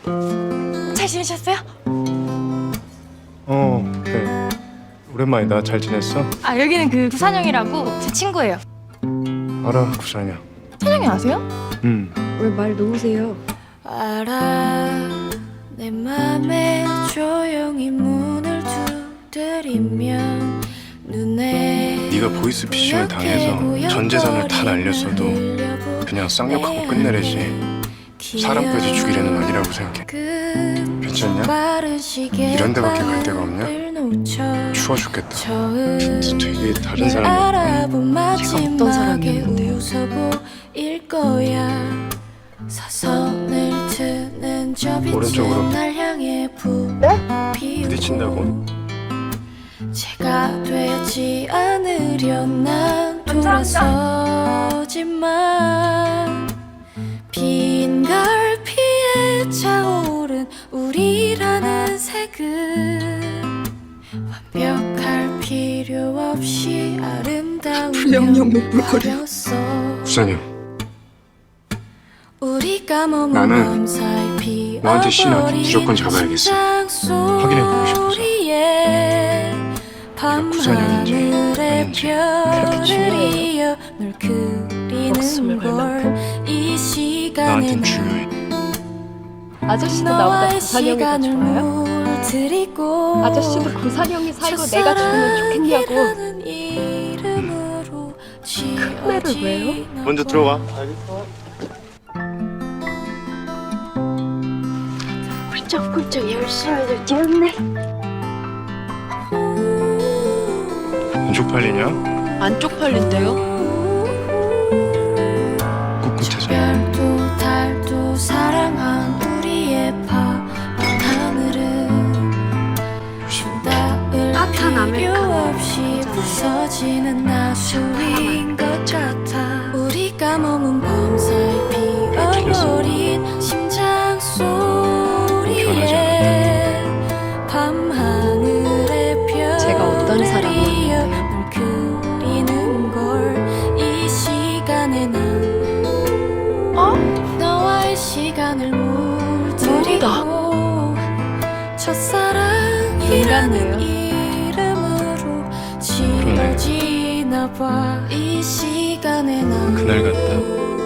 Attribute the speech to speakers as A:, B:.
A: 잘 지내셨어요?
B: 그래. 오랜만이다. 잘 지냈어?
A: 아, 여기는 그 구산형이라고 제 친구예요.
B: 알아, 구산이야.
A: 찬영이 아세요?
C: 왜 말 놓으세요?
D: 알아 내 맘에 조용히 문을 두드리면 눈에
B: 네가 보이스피싱을 당해서 전 재산을 다 날렸어도 그냥 쌍욕하고 끝내래지. 사람까지 죽이려는 아니라고 생각해. 괜찮냐? 이런 데밖에 갈 데가 없냐? 추워 죽겠다. 진짜 되게 다른 사람이야.
D: 제가
C: 어떤 사람이었는데요?
D: 웃어보일 거야. 사선을 트는 저
B: 오른쪽으로.
D: 빛은 날 향해
B: 부딪힌다고?
D: 제가 되지 않으려 난 돌아서지만 빈 갈피에 차오른 우리라는 색은 완벽할 필요 없이 아름다우며 화려했어.
B: 구산이야.
D: 우리가 머문
B: 나는
D: 밤 사이
B: 너한테 신하기 무조건 잡아야겠어. 확인해보고 싶어서.
D: 밤
B: 구산형인지
D: 하늘에
B: 아닌지.
D: 별을
C: 중요해요?
D: 이어 널
C: 목숨을
D: 그리는
C: 걸
D: 걸 이 시간에
B: 나한텐 중요해.
C: 아저씨도 나보다 구산형이 더 좋아요? 아저씨도 구산형이 살고 내가 죽으면 좋겠냐고. 큰애를 왜요?
B: 먼저 들어와.
C: 훌쩍훌쩍 열심히들 뛰었네.
B: 안 쪽팔리냐?
C: 안 쪽팔린데요?
B: 꿋꿋해서.
D: 별도 달도 사랑한 우리의 밤 하늘은 닿을
C: 따뜻한
D: 필요
C: 아메리카노
D: 없이 부서지는 나수인 것 같아. 우리가 머문 밤 사이 피어버린 심장 소리에 밤 하늘의
C: 제가 어떤
D: 별을
C: 사람이었는데요?
D: 이어 널 그리는 걸 이 시간에 난 너와의 시간을 물들이고 첫사랑이라는 이름으로 지어지나 봐. 이 시간에 난
B: 그날 같다.